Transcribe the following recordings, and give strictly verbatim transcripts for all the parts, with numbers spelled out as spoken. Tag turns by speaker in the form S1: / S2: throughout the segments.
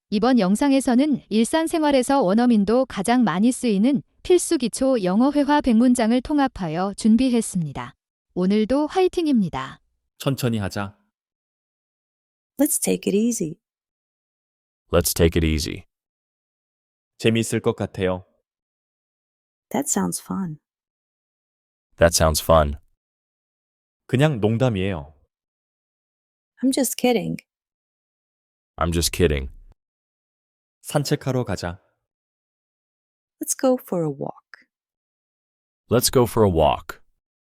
S1: 이번 영상에서는 일상생활에서 원어민도 가장 많이 쓰이는 필수 기초 영어 회화 백 문장을 통합하여 준비했습니다. 오늘도 화이팅입니다.
S2: 천천히 하자.
S3: Let's take it easy.
S4: Let's take it easy.
S2: 재미있을 것 같아요.
S3: That sounds fun.
S4: That sounds fun.
S2: 그냥 농담이에요.
S3: I'm just kidding.
S4: I'm just kidding.
S2: 산책하러 가자.
S3: Let's go for a walk.
S4: Let's go for a walk.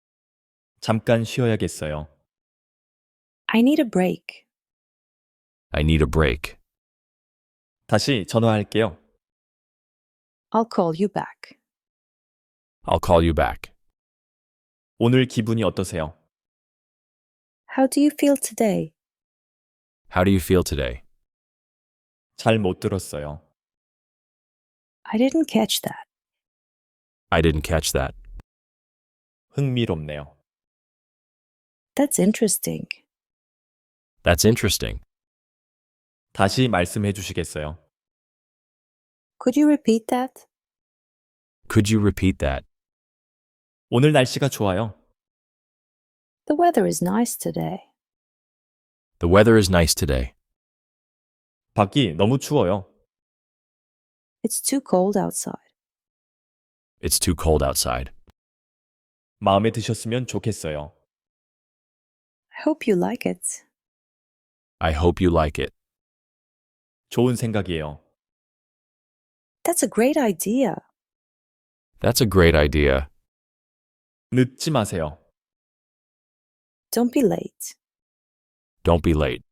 S2: 잠깐 쉬어야겠어요.
S3: I need a break.
S4: I need a break.
S2: 다시 전화할게요.
S3: I'll call you back.
S4: I'll call you back.
S2: 오늘 기분이 어떠세요?
S3: How do you feel today?
S4: How do you feel today?
S2: 잘 못 들었어요.
S3: I didn't catch that.
S4: I didn't catch that.
S2: 흥미롭네요.
S3: That's interesting.
S4: That's interesting.
S2: 다시 말씀해 주시겠어요?
S3: Could you repeat that?
S4: Could you repeat that?
S2: 오늘 날씨가 좋아요.
S3: The weather is nice today.
S4: The weather is nice today.
S2: 밖이 너무 추워요.
S3: It's too cold outside.
S4: It's too cold outside.
S2: 마음에 드셨으면 좋겠어요.
S3: I hope you like it.
S4: I hope you like it.
S2: 좋은 생각이에요.
S3: That's a great idea.
S4: That's a great idea.
S2: 늦지 마세요.
S3: Don't be late.
S4: Don't be late.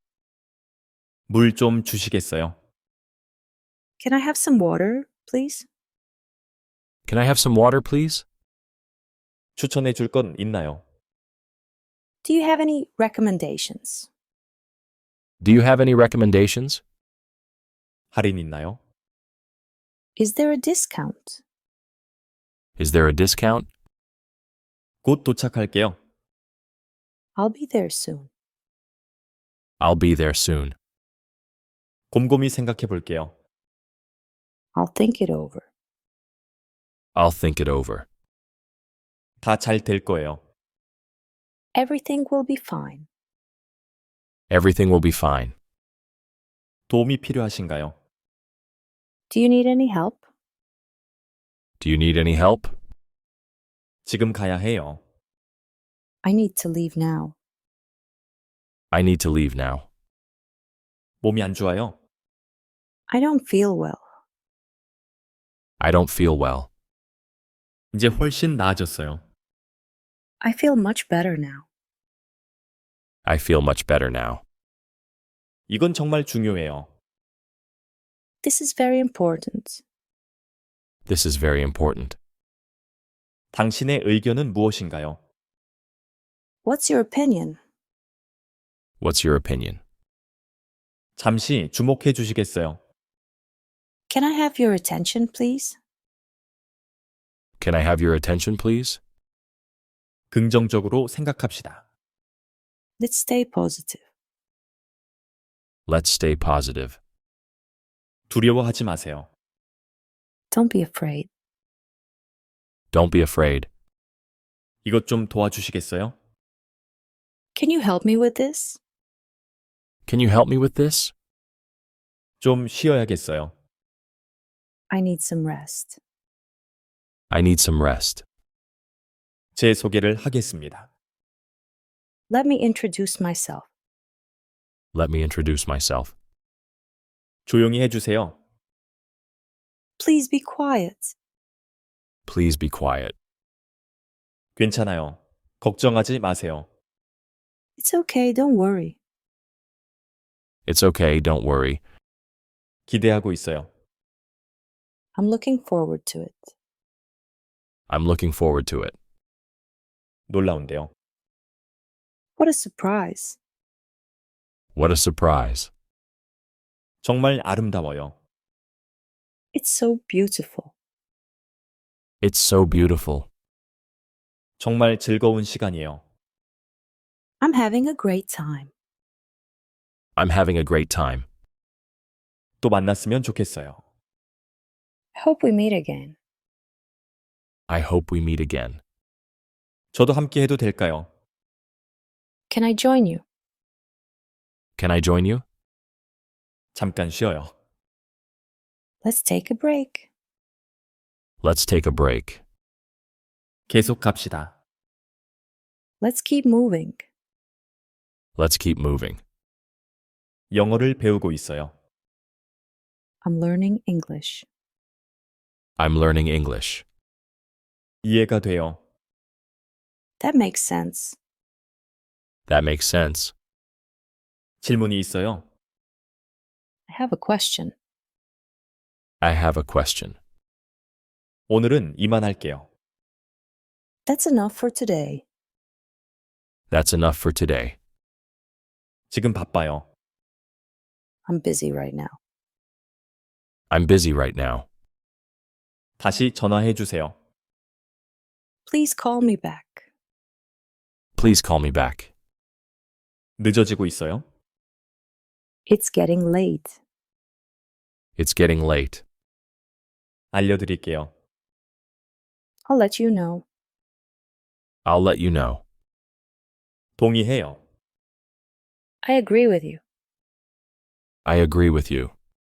S2: 물 좀 주시겠어요?
S3: Can I have some water, please?
S4: Can I have some water, please?
S2: 추천해 줄 건 있나요?
S3: Do you have any recommendations?
S4: Do you have any recommendations?
S2: 할인 있나요?
S3: Is there a discount?
S4: Is there a discount?
S2: 곧 도착할게요.
S3: I'll be there soon.
S4: I'll be there soon.
S2: 곰곰이 생각해 볼게요.
S3: I'll think it over.
S4: I'll think it over.
S2: 다 잘 될 거예요.
S3: Everything will be fine.
S4: Everything will be fine.
S2: 도움이 필요하신가요?
S3: Do you need any help?
S4: Do you need any help?
S2: 지금 가야 해요.
S3: I need to leave now.
S4: I need to leave now.
S2: 몸이 안 좋아요?
S3: I don't feel well.
S4: I don't feel well.
S2: 이제 훨씬 나아졌어요.
S3: I feel much better now.
S4: I feel much better now.
S2: 이건 정말 중요해요.
S3: This is very important.
S4: This is very important.
S2: 당신의 의견은 무엇인가요?
S3: What's your opinion?
S4: What's your opinion?
S2: 잠시 주목해 주시겠어요?
S3: Can I have your attention, please?
S4: Can I have your attention, please?
S2: 긍정적으로 생각합시다.
S3: Let's stay positive.
S4: Let's stay positive.
S2: 두려워하지 마세요.
S3: Don't be afraid.
S4: Don't be afraid.
S2: 이것 좀 도와주시겠어요?
S3: Can you help me with this?
S4: Can you help me with this?
S2: 좀 쉬어야겠어요.
S3: I need some rest.
S4: I need some rest.
S2: 제 소개를 하겠습니다.
S3: Let me introduce myself.
S4: Let me introduce myself.
S2: 조용히 해주세요.
S3: Please be quiet.
S4: Please be quiet.
S2: 괜찮아요. 걱정하지 마세요.
S3: It's okay, don't worry.
S4: It's okay, don't worry.
S2: 기대하고 있어요.
S3: I'm looking forward to it.
S4: I'm looking forward to it.
S2: 놀라운데요.
S3: What a surprise.
S4: What a surprise.
S2: 정말 아름다워요.
S3: It's so beautiful.
S4: It's so beautiful.
S2: 정말 즐거운 시간이에요.
S3: I'm having a great time.
S4: I'm having a great time.
S2: 또 만났으면 좋겠어요.
S3: Hope we meet again.
S4: I hope we meet again.
S2: 저도 함께 해도 될까요?
S3: Can I join you?
S4: Can I join you?
S2: 잠깐 쉬어요.
S3: Let's take a break.
S4: Let's take a break.
S2: 계속 갑시다.
S3: Let's keep moving.
S4: Let's keep moving.
S2: 영어를 배우고 있어요.
S3: I'm learning English.
S4: I'm learning English.
S2: 이해가 돼요.
S3: That makes sense.
S4: That makes sense.
S2: 질문이 있어요.
S3: I have a question.
S4: I have a question.
S2: 오늘은 이만할게요.
S3: That's enough for today.
S4: That's enough for today.
S2: 지금 바빠요.
S3: I'm busy right now.
S4: I'm busy right now.
S2: 다시 전화해 주세요.
S3: Please call me back.
S4: Please call me back.
S2: 늦어지고 있어요.
S3: It's getting late.
S4: It's getting late.
S2: 알려드릴게요.
S3: I'll let you know.
S4: I'll let you know.
S2: 동의해요.
S3: I agree with you.
S4: I agree with you.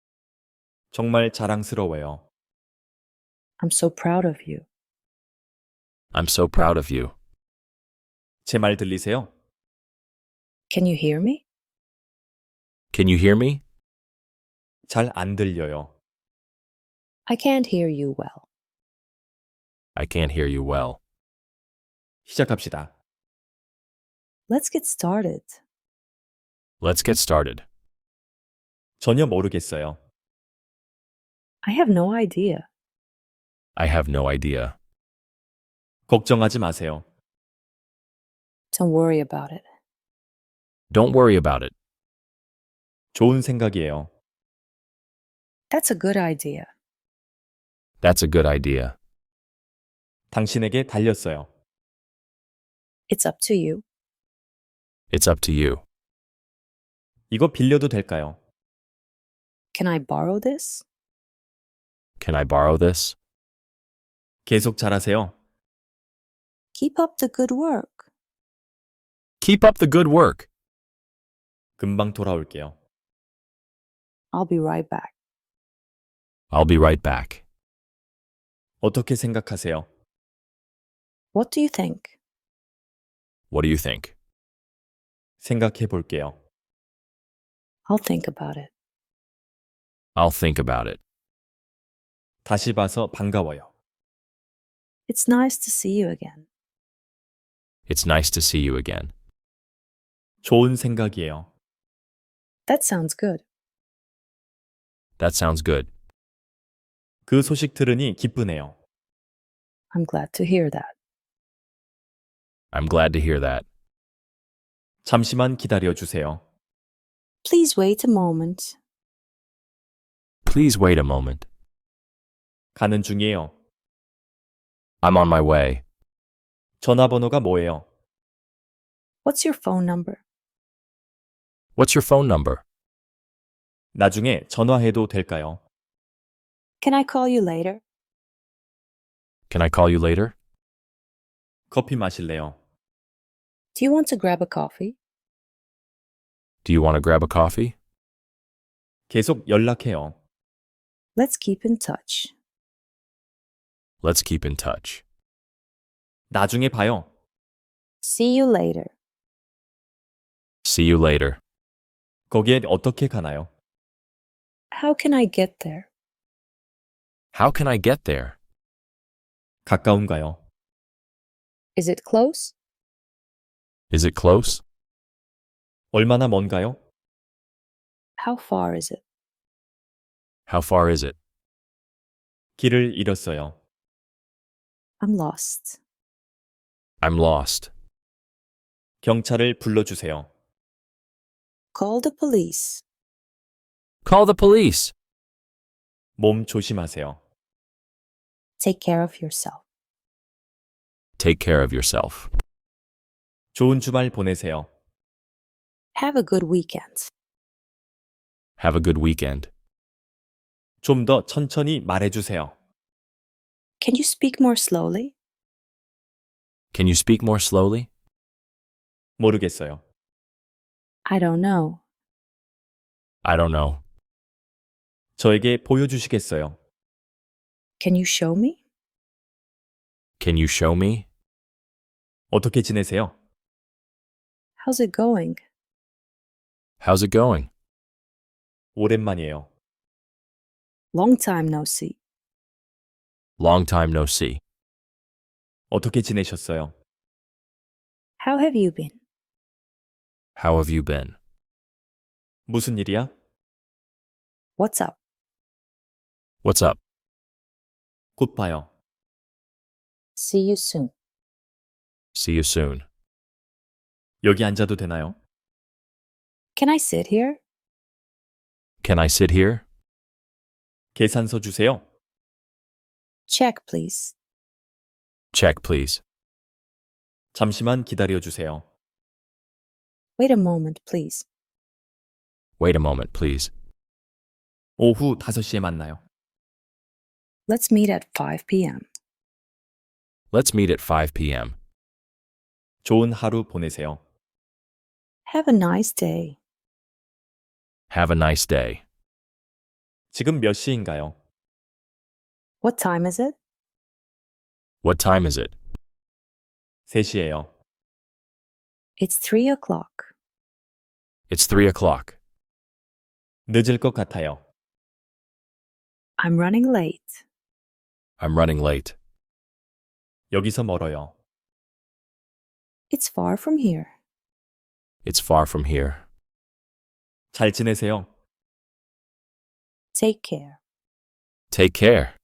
S2: 정말 자랑스러워요.
S3: I'm so proud of you.
S4: I'm so proud of you.
S2: 제 말 들리세요?
S3: Can you hear me?
S4: Can you hear me?
S2: 잘 안 들려요.
S3: I can't hear you well.
S4: I can't hear you well.
S2: 시작합시다.
S3: Let's get started.
S4: Let's get started.
S2: 전혀 모르겠어요.
S3: I have no idea.
S4: I have no idea.
S2: 걱정하지 마세요.
S3: Don't worry about it.
S4: Don't worry about it.
S2: 좋은 생각이에요.
S3: That's a good idea.
S4: That's a good idea.
S2: 당신에게 달렸어요.
S3: It's up to you.
S4: It's up to you.
S2: 이거 빌려도 될까요?
S3: Can I borrow this?
S4: Can I borrow this?
S2: 계속 잘하세요.
S3: Keep up the good work.
S4: Keep up the good work.
S2: 금방 돌아올게요.
S3: I'll be right back.
S4: I'll be right back.
S2: 어떻게 생각하세요?
S3: What do you think?
S4: What do you think?
S2: 생각해 볼게요.
S3: I'll think about it.
S4: I'll think about it.
S2: 다시 봐서 반가워요.
S3: It's nice to see you again.
S4: It's nice to see you again.
S2: 좋은 생각이에요.
S3: That sounds good.
S4: That sounds good.
S2: 그 소식 들으니 기쁘네요.
S3: I'm glad to hear that.
S4: I'm glad to hear that.
S2: 잠시만 기다려 주세요.
S3: Please wait a moment.
S4: Please wait a moment.
S2: 가는 중이에요.
S4: I'm on my way.
S2: 전화번호가 뭐예요?
S3: What's your phone number?
S4: What's your phone number?
S2: 나중에 전화해도 될까요?
S3: Can I call you later?
S4: Can I call you later?
S2: 커피 마실래요?
S3: Do you want to grab a coffee?
S4: Do you want to grab a coffee?
S2: 계속 연락해요.
S3: Let's keep in touch.
S4: Let's keep in touch.
S2: 나중에 봐요.
S3: See you later.
S4: See you later.
S2: 거기에 어떻게 가나요?
S3: How can I get there?
S4: How can I get there?
S2: 가까운가요?
S3: Is it close?
S4: Is it close?
S2: 얼마나 먼가요?
S3: How far is it?
S4: How far is it?
S2: 길을 잃었어요.
S3: I'm lost.
S4: I'm lost.
S2: 경찰을 불러주세요.
S3: Call the police.
S4: Call the police.
S2: 몸 조심하세요.
S3: Take care of yourself.
S4: Take care of yourself.
S2: 좋은 주말 보내세요.
S3: Have a good weekend.
S4: Have a good weekend.
S2: 좀 더 천천히 말해주세요.
S3: Can you speak more slowly?
S4: Can you speak more slowly?
S2: 모르겠어요.
S3: I don't know.
S4: I don't know.
S2: 저에게 보여주시겠어요?
S3: Can you show me?
S4: Can you show me?
S2: 어떻게 지내세요?
S3: How's it going?
S4: How's it going?
S2: 오랜만이에요.
S3: Long time no see.
S4: Long time no see.
S2: 어떻게 지내셨어요?
S3: How have you been?
S4: How have you been?
S2: 무슨 일이야?
S3: What's up?
S4: What's up?
S2: 곧 봐요.
S3: See you soon.
S4: See you soon.
S2: 여기 앉아도 되나요?
S3: Can I sit here?
S4: Can I sit here?
S2: 계산서 주세요.
S3: Check, please.
S4: Check, please.
S2: 잠시만 기다려 주세요.
S3: Wait a moment, please.
S4: Wait a moment, please.
S2: 오후 다섯 시에 만나요.
S3: Let's meet at five p.m.
S4: Let's meet at five p.m.
S2: 좋은 하루 보내세요.
S3: Have a nice day.
S4: Have a nice day.
S2: 지금 몇 시인가요?
S3: What time is it?
S4: What time is it?
S2: 세 시예요.
S3: It's three o'clock.
S4: It's three o'clock.
S2: 늦을 것 같아요.
S3: I'm running late.
S4: I'm running late.
S2: 여기서 멀어요.
S3: It's far from here.
S4: It's far from here.
S2: 잘 지내세요.
S3: Take care.
S4: Take care.